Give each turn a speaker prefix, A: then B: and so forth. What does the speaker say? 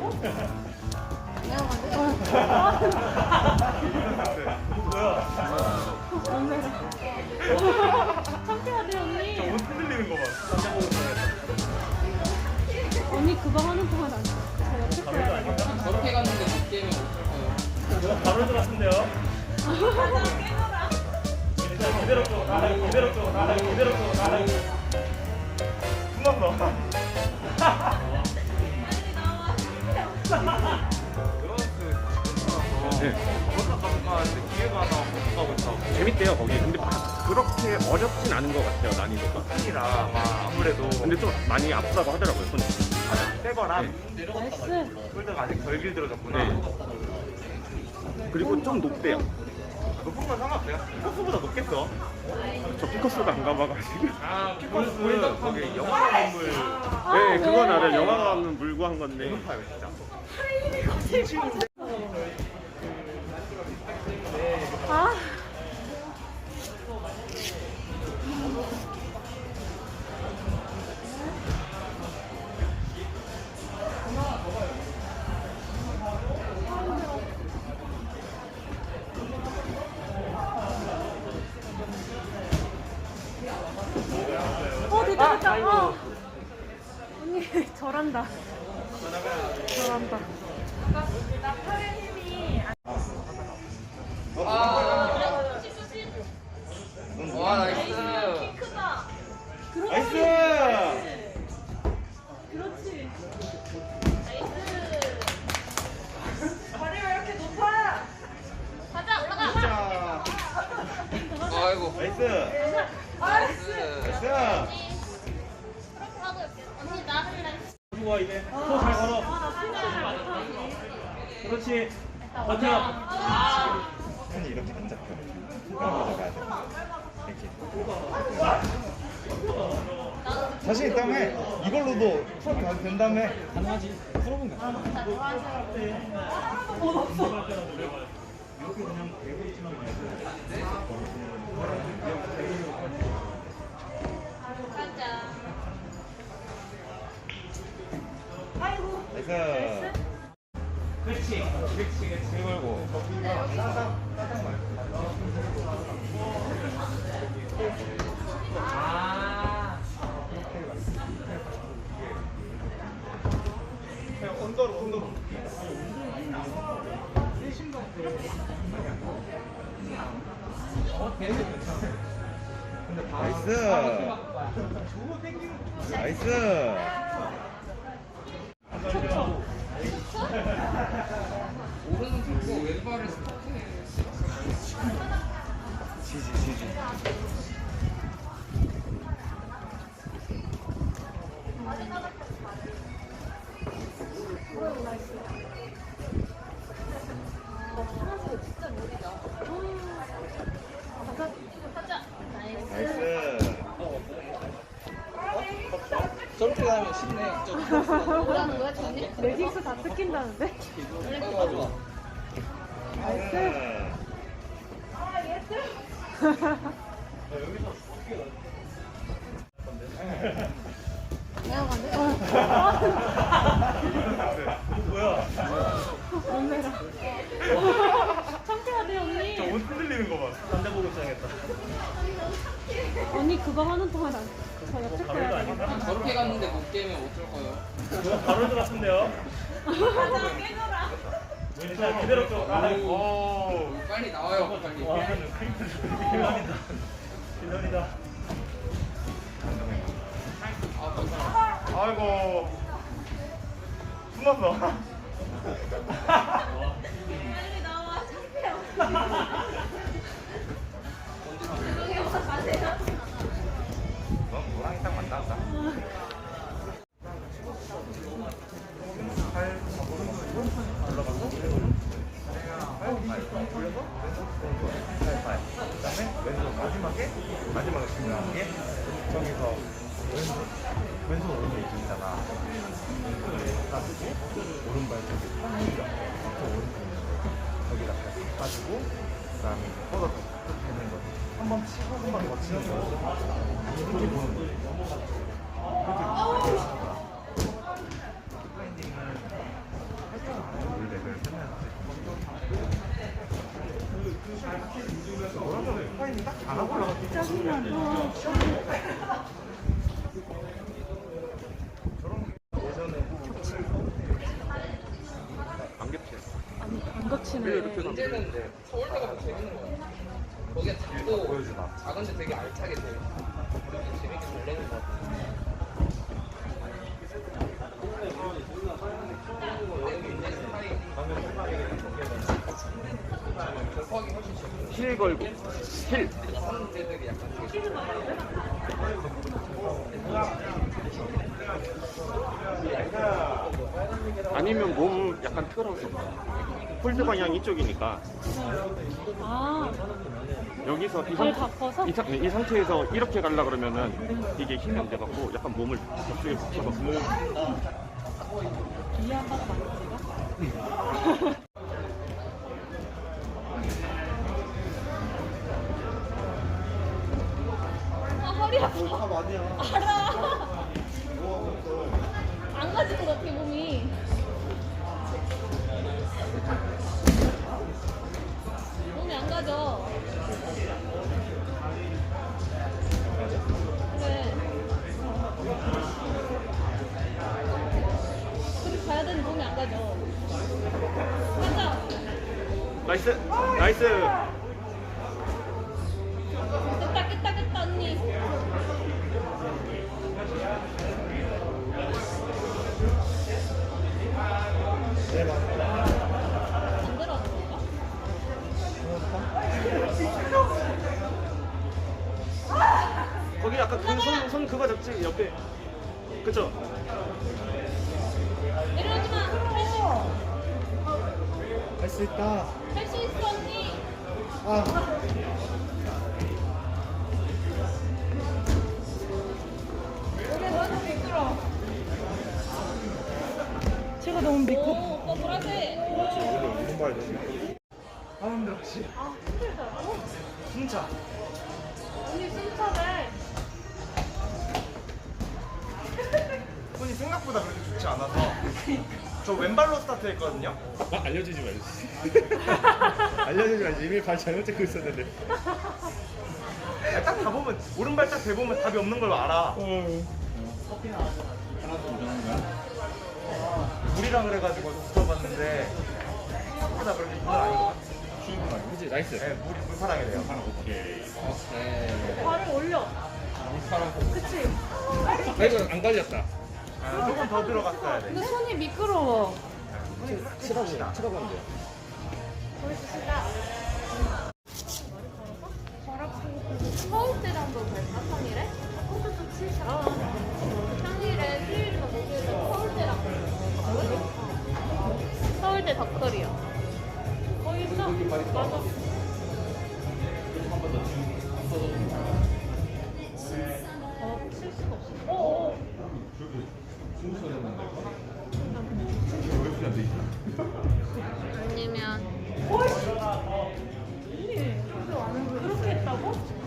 A: 창피하대 언니.
B: 저옷 흔들리는 거 봐.
A: 언니 그거 하는 동안 안 돼. 저 옆에 거야.
C: 저렇게 갔는데 못 깨면 어떡해요?
B: 바로 들어갔는데요. 그대로 또 나가요. 그대로 또 나가요. 그대로 또 나가요. 숨었어.
D: 네.
B: 기회가 하나 못 가고 있어.
D: 재밌대요 거기. 근데 막 그렇게 어렵진 않은 것 같아요 난이도가.
B: 이라 아마 아무래도
D: 근데 좀 많이 아프다고 하더라고요 손.
B: 세거나
A: 나이스.
B: 폴드가 아직 덜 길들어졌구나.
D: 네. 그리고 좀 높대요.
B: 높은 건 상관없어요. 피커스보다 높겠어.
D: 저 피커스도 안 가봐가지고.
B: 아 피커스 거기 영화 건물
D: 네 그건 알아요. 영화가 가면 물고 한 건데.
B: 높아요 진짜.
A: 아. 됐다. 언니 절한다. 절한다.
C: 와 나이스.
B: 나이스.
A: 그렇지.
E: 다리가 이렇게 높아.
A: 가자 올라가.
B: 자,
C: 아이고.
B: 나이스.
C: 나이스.
B: 나이스.
A: 언니 나 할래.
B: 좋아 이제. 잘 걸어. 그렇지. 버텨.
F: 손이 이렇게 안 잡혀. 손가락 가져가야 돼. 이렇게. 자신 있다며? 이걸로도 풀어도 가도 된다며? 가능하지. 풀어본 거야. 나이스.
B: 그렇지.
F: 힘 걸고.
B: 그냥 언더로.
F: 나이스. 나이스.
C: 오른손 잡고 왼발을 스타트해.
F: 지지. 나이스.
C: 저렇게 가면 쉽네.
A: 뭐라는 거야 언니? 레깅스 다 뜯긴다는데? 나이스. 내가 간대.
B: 뭐야?
A: 놀래라. 창피하대 언니.
B: 저옷 흔들리는 거 봐. 남자 보고 있어야겠다.
A: 언니 그거 하는 동안 안 돼. 저 옆에 거야.
C: 저렇게 갔는데 못 깨면 어쩔 거예요?
B: 바로 들어갔는데요. 일단 그대로 또 나가요. 오.
C: 빨리 나와요 빨리.
B: 와, 빌런이다. 빌런이다.
C: 아 감사합니다.
B: 아이고. 숨었어.
E: 빨리 나와. 창피해.
F: 노랑이 딱 맞다.
B: 그다음에 왼손 마지막에 중요한 게 저기서 왼손 오른손 있잖아. 따주고 오른발 저기 펴내죠. 오른손 여기다 다시 빠지고 그다음에 뻗어서 쭉 되는 거. 한번 치고 한 번 더 치는 거. 이렇게 보는 거. 이렇게
D: 안 겹쳐.
A: 아니 안 거치네.
C: 문제는 서울대가 더 재밌는 거 같아. 거기가 작고
B: 보여주나?
C: 작은데 되게 알차게 돼. 그렇게 재밌게 잘 내는 거 같아. 내 문제 스타일 접하기 훨씬 쉽고
D: 힐 걸고 힐.
C: 다른 문제들이 약간 되게
D: 아니면 몸 약간 틀어서 폴드 방향 이쪽이니까
A: 아,
D: 여기서
A: 발 바꿔서?
D: 이 상태에서 이렇게 가려 그러면은 이게 힘이 안 돼갖고 약간 몸을 벽쪽에 붙여서 몸
A: 이해한 바가 많이 지가?
E: 아 허리 아파.
F: 탑 아니야.
E: 알아.
F: 뭐 하고 있어?
E: 안 가지는 것 같아 몸이. 몸이 안 가져. 그래. 그렇게 가야 되는 몸이 안 가져. 가자.
D: 나이스 나이스.
E: 깼다 깼다 깼다 언니.
F: 네, 맞아.
E: 안 들어가는 건가?
D: 거기 약간 손 그거 잡지 옆에. 그쵸?
E: 내려오지 마.
F: 할 수 있다.
E: 할 수 있어 언니.
F: 아.
E: 오늘 너무 미끄러.
A: 제가 너무 미끄.
E: 오 오빠 보라색.
F: 이런 말 돼. 아 힘들어. 씨.
A: 아 힘들다고?
F: 진짜.
A: 언니 숨차네.
F: 손이 생각보다 그렇게 좋지 않아서 저 왼발로 스타트했거든요.
D: 알려주지 말지.
F: 알려주지 말지. 이미 발 잘못 찍고 있었는데. 딱 다 보면 오른발 딱 대보면 답이 없는 걸 알아. 물이라 그래가지고 붙여봤는데 생각보다 그렇게 물은 아닌 것 같아.
D: 그치 나이스.
F: 네, 물파랑이래요.
D: 오케이.
C: 오케이.
A: 발을 올려. 그치?
D: 이거 안 걸렸다.
F: 아, 조금 더 들어갔어야 돼.
A: 근데 손이 미끄러워.
D: 치라고 하면 돼요.
E: 서울대랑도 갈까 평일에? 평일에 수요일이나 목요일에 서울대랑 서울대 덕거리요.
A: 거기 있어. 맞아. 칠 수가 없어. 오.
E: 아니면
A: 언니, 그렇게 했다고?